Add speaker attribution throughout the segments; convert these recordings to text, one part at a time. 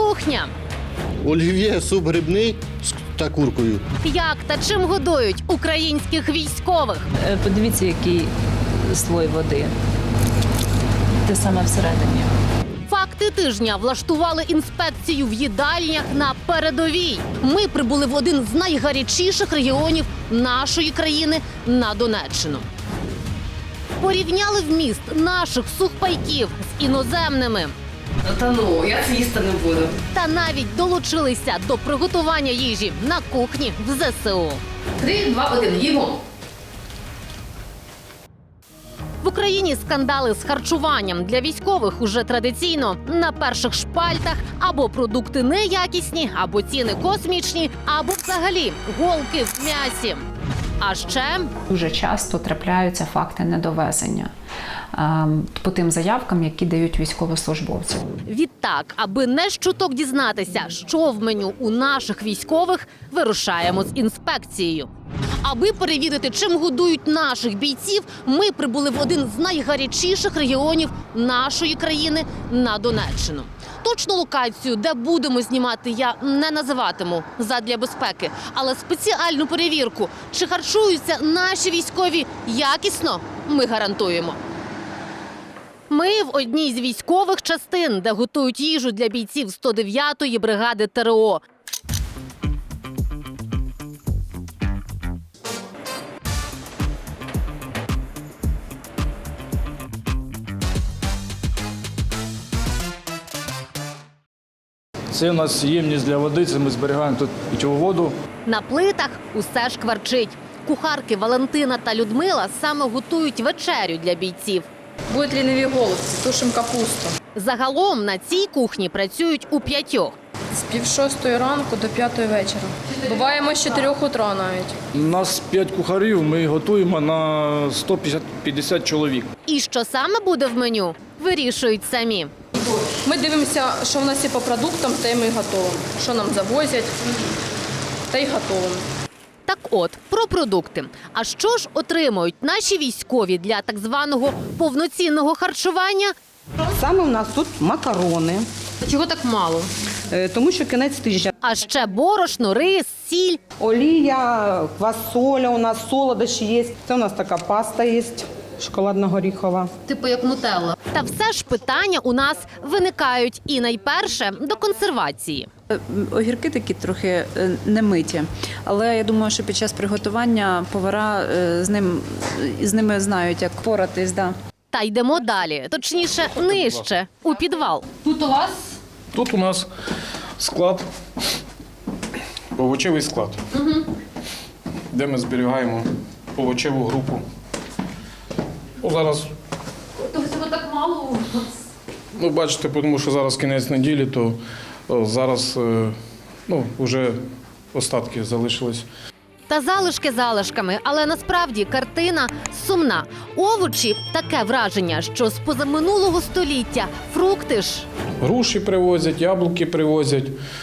Speaker 1: кухня.
Speaker 2: Олів'є, суп грибний та куркою.
Speaker 1: Як та чим годують українських військових?
Speaker 3: Подивіться, який слой води. Те саме всередині.
Speaker 1: Факти тижня влаштували інспекцію в їдальнях на передовій. Ми прибули в один з найгарячіших регіонів нашої країни на Донеччину. Порівняли вміст наших сухпайків з іноземними.
Speaker 4: Та ну, я це їсти не буду.
Speaker 1: Та навіть долучилися до приготування їжі на кухні в ЗСУ.
Speaker 4: 3, 2, 1, їмо.
Speaker 1: В Україні скандали з харчуванням для військових уже традиційно на перших шпальтах або продукти неякісні, або ціни космічні, або взагалі голки в м'ясі. А ще
Speaker 3: Дуже часто трапляються факти недовезення по тим заявкам, які дають військовослужбовці.
Speaker 1: відтак, аби не щуток дізнатися, що в меню у наших військових, вирушаємо з інспекцією. Аби перевірити, чим годують наших бійців, ми прибули в один з найгарячіших регіонів нашої країни на Донеччину. Точну локацію, де будемо знімати, я не називатиму задля безпеки, але спеціальну перевірку, чи харчуються наші військові якісно, ми гарантуємо. Ми в одній з військових частин, де готують їжу для бійців 109-ї бригади ТрО.
Speaker 5: Це у нас ємність для води, це ми зберігаємо тут питьову воду.
Speaker 1: На плитах усе шкварчить. Кухарки Валентина та Людмила саме готують вечерю для бійців.
Speaker 4: Будуть ліниві голубці, тушимо капусту.
Speaker 1: Загалом на цій кухні працюють у 5.
Speaker 4: З 5:30 ранку до 5 вечора. Буваємо з 4 утра навіть.
Speaker 5: У нас 5 кухарів, ми готуємо на 150 чоловік.
Speaker 1: І що саме буде в меню, вирішують самі.
Speaker 4: Ми дивимося, що в нас є по продуктам, те ми готуємо. Що нам завозять, те й готуємо.
Speaker 1: Так от, про продукти. А що ж отримують наші військові для так званого повноцінного харчування?
Speaker 6: Саме у нас тут макарони,
Speaker 4: Чого так мало?
Speaker 6: тому що кінець тижня.
Speaker 1: А ще борошно, рис, сіль.
Speaker 6: Олія, квасоля у нас, солодощі є. Це у нас така паста є, шоколадно-горіхова.
Speaker 4: Типу як нутелла.
Speaker 1: Та все ж питання у нас виникають. І найперше – до консервації.
Speaker 3: Огірки такі трохи немиті, але я думаю, що під час приготування повара з ними знають, як поратись. Да.
Speaker 1: Та йдемо далі, точніше, нижче, у підвал.
Speaker 4: Тут у вас
Speaker 5: Тут у нас склад, овочевий склад, де ми зберігаємо овочеву групу. Зараз,
Speaker 4: цього так мало у вас.
Speaker 5: бачите, тому що зараз кінець неділі, то зараз вже остатки залишились.
Speaker 1: Та залишки залишками, але насправді картина сумна. Овочі – таке враження, що з позаминулого століття. Фрукти ж.
Speaker 5: Груші привозять, яблуки привозять,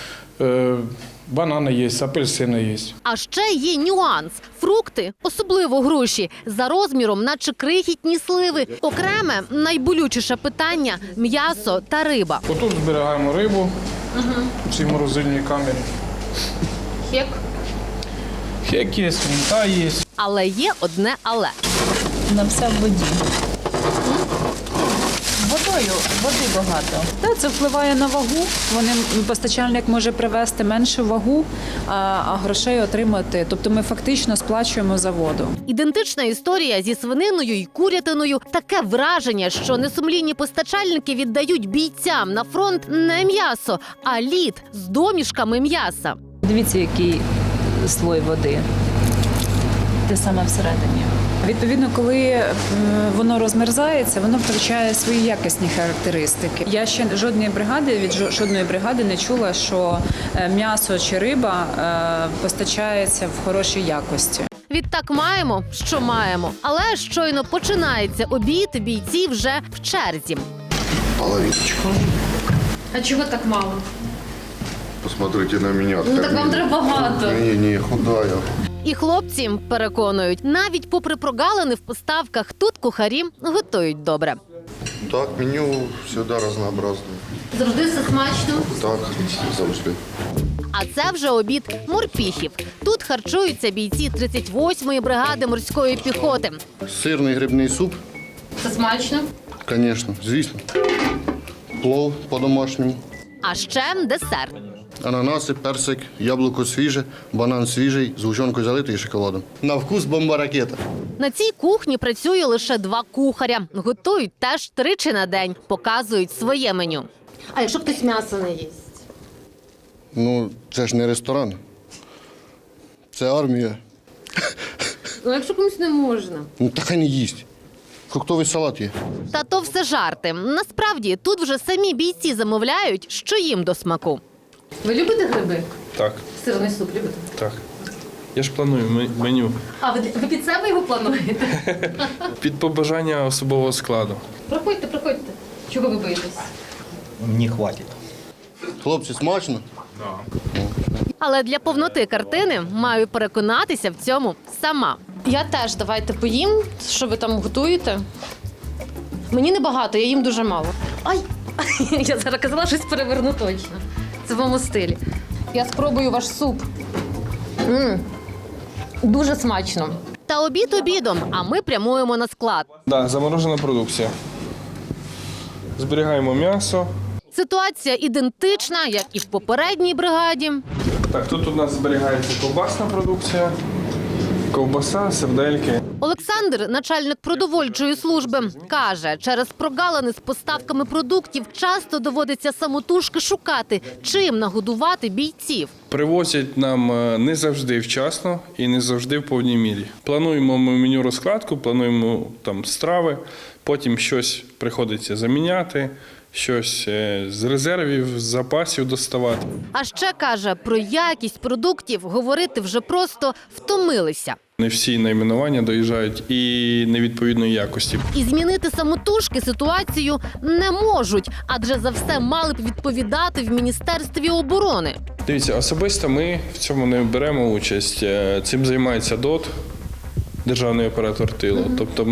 Speaker 5: банани є, апельсини є.
Speaker 1: А ще є нюанс. Фрукти, особливо груші, за розміром наче крихітні сливи. Окреме, найболючіше питання – м'ясо та риба.
Speaker 5: Отут зберігаємо рибу в цій морозильній камері.
Speaker 4: Хек.
Speaker 5: Хек є, свинта є.
Speaker 1: Але є одне але.
Speaker 3: Вона вся в воді. Води багато. Та, це впливає на вагу. Постачальник може привезти меншу вагу, а грошей отримати. Тобто ми фактично сплачуємо за воду.
Speaker 1: Ідентична історія зі свининою і курятиною. Таке враження, що несумлінні постачальники віддають бійцям на фронт не м'ясо, а лід з домішками м'яса.
Speaker 3: Дивіться, який слой води. Те саме всередині. Відповідно, коли воно розмерзається, воно втрачає свої якісні характеристики. Я ще від жодної бригади не чула, що м'ясо чи риба постачається в хорошій якості.
Speaker 1: Відтак маємо, що маємо. Але щойно починається обід, бійці вже в черзі.
Speaker 7: Половиночку.
Speaker 4: А чого так мало?
Speaker 7: Посмотрите на меня.
Speaker 4: Ну так вам треба багато.
Speaker 7: Не, худая.
Speaker 1: І хлопці переконують, навіть попри прогалини в поставках, тут кухарі готують добре.
Speaker 7: Так, меню всегда разнообразное.
Speaker 1: Завжди все смачно.
Speaker 7: Так, завжди.
Speaker 1: А це вже обід морпіхів. Тут харчуються бійці 38-ї бригади морської піхоти.
Speaker 2: Сирний грибний суп,
Speaker 1: Це смачно.
Speaker 2: звісно, звісно. Плов по-домашньому.
Speaker 1: А ще десерт.
Speaker 2: Ананаси, персик, яблуко свіже, банан свіжий, згущенкою залитий і шоколадом. На вкус бомба-ракета.
Speaker 1: На цій кухні працює лише 2 кухаря. Готують теж 3 на день, показують своє меню. А якщо хтось м'ясо не їсть?
Speaker 2: Ну, це ж не ресторан. Це армія.
Speaker 1: Ну, якщо комусь не можна.
Speaker 2: Ну, так і не їсть. Фруктовий салат є.
Speaker 1: Та то все жарти. Насправді, тут вже самі бійці замовляють, що їм до смаку. Ви любите гриби?
Speaker 8: Так,
Speaker 1: Сирний суп любите?
Speaker 8: так. Я ж планую меню
Speaker 1: А ви під себе його плануєте?
Speaker 8: під побажання особового складу.
Speaker 1: Проходьте, проходьте. Чого ви боїтесь?
Speaker 9: Не хватит.
Speaker 2: Хлопці, смачно?
Speaker 1: Але для повноти картини маю переконатися в цьому сама. Я теж давайте поїм, що ви там готуєте. Мені небагато, я їм дуже мало. Ай! Я зараз казала, щось переверну точно. Це в моєму стилі. Я спробую ваш суп. Дуже смачно. Та обід обідом, а ми прямуємо на склад.
Speaker 8: Да, заморожена продукція. Зберігаємо м'ясо.
Speaker 1: Ситуація ідентична, як і в попередній бригаді.
Speaker 8: Так, тут у нас зберігається ковбасна продукція, ковбаса, сердельки.
Speaker 1: Олександр, начальник продовольчої служби, каже, через прогалини з поставками продуктів часто доводиться самотужки шукати, чим нагодувати бійців.
Speaker 8: Привозять нам не завжди вчасно і не завжди в повній мірі. Плануємо ми меню розкладку, плануємо там страви, потім щось приходиться заміняти, щось з резервів, з запасів доставати.
Speaker 1: А ще, каже, про якість продуктів говорити вже просто втомилися.
Speaker 8: Не всі найменування доїжджають і невідповідної якості.
Speaker 1: І змінити самотужки ситуацію не можуть, адже за все мали б відповідати в Міністерстві оборони.
Speaker 8: Дивіться, особисто ми в цьому не беремо участь. Цим займається ДОТ, державний оператор тилу. Тобто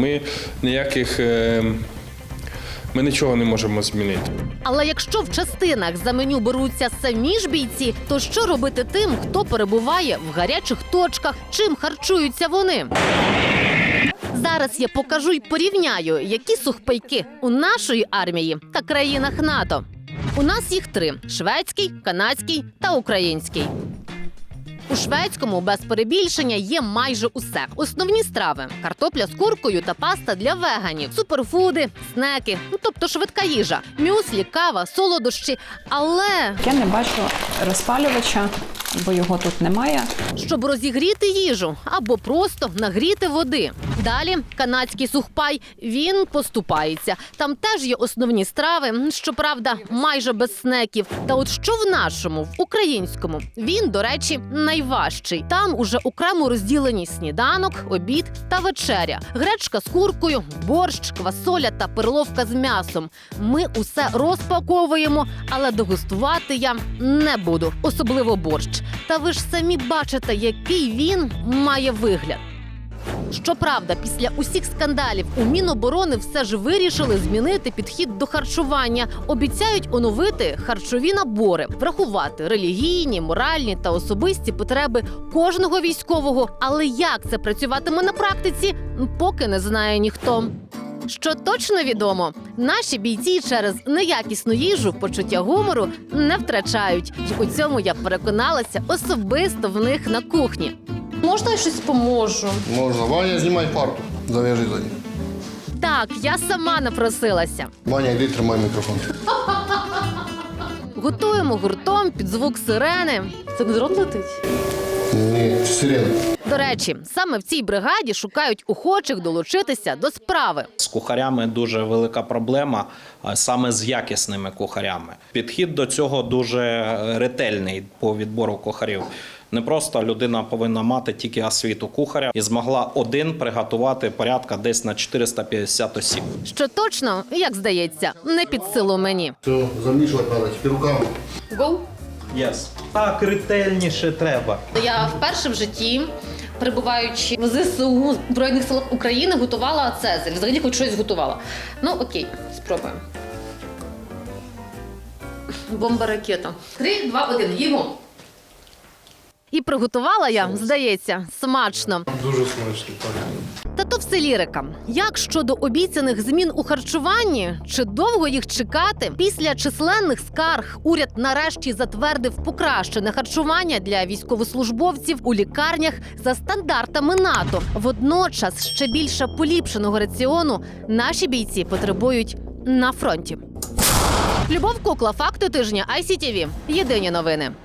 Speaker 8: ми нічого не можемо змінити.
Speaker 1: Але якщо в частинах за меню беруться самі ж бійці, то що робити тим, хто перебуває в гарячих точках, чим харчуються вони? Зараз я покажу й порівняю, які сухпайки у нашої армії та країнах НАТО. У нас їх 3 – шведський, канадський та український. У шведському, без перебільшення, є майже усе. Основні страви – картопля з куркою та паста для веганів, суперфуди, снеки, тобто швидка їжа, мюслі, кава, солодощі. Але
Speaker 3: Я не бачу розпалювача, бо його тут немає.
Speaker 1: щоб розігріти їжу або просто нагріти води. Далі канадський сухпай, він поступається. Там теж є основні страви, щоправда, майже без снеків. Та от що в нашому, в українському, він, до речі, найважчий. Там уже окремо розділені сніданок, обід та вечеря. Гречка з куркою, борщ, квасоля та перловка з м'ясом. Ми усе розпаковуємо, але дегустувати я не буду, особливо борщ. Та ви ж самі бачите, який він має вигляд. Щоправда, після усіх скандалів у Міноборони все ж вирішили змінити підхід до харчування. Обіцяють оновити харчові набори, врахувати релігійні, моральні та особисті потреби кожного військового. Але як це працюватиме на практиці, поки не знає ніхто. Що точно відомо, наші бійці через неякісну їжу почуття гумору не втрачають. І у цьому я переконалася особисто в них на кухні. Можна я щось поможу?
Speaker 2: Можна. Ваня, знімай фарту. Зав'яжи за ним.
Speaker 1: Так, я сама напросилася.
Speaker 2: Ваня, йди, тримай мікрофон.
Speaker 1: Готуємо гуртом під звук сирени. Це не дрон летить?
Speaker 2: Ні, сирена.
Speaker 1: До речі, саме в цій бригаді шукають охочих долучитися до справи.
Speaker 9: З кухарями дуже велика проблема, а саме з якісними кухарями. Підхід до цього дуже ретельний по відбору кухарів. Не просто людина повинна мати тільки освіту кухаря і змогла один приготувати порядка десь на 450 осіб.
Speaker 1: Що точно, як здається, не під силу мені.
Speaker 2: Все, замішувати треба, тепер руками.
Speaker 1: Гоу!
Speaker 9: Так ретельніше треба.
Speaker 1: Я вперше в житті перебуваючи в ЗСУ Збройних сил України, готувала цезарь. Взагалі хоч щось готувала. Ну окей, спробуємо. Бомба-ракета. 3, 2, 1. Їмо. І приготувала я, здається, смачно.
Speaker 5: Дуже смачно, так.
Speaker 1: Та то все лірика. Як щодо обіцяних змін у харчуванні? Чи довго їх чекати? Після численних скарг уряд нарешті затвердив покращене харчування для військовослужбовців у лікарнях за стандартами НАТО. Водночас ще більше поліпшеного раціону наші бійці потребують на фронті. Любов Кукла, факти тижня ICTV. Єдині новини.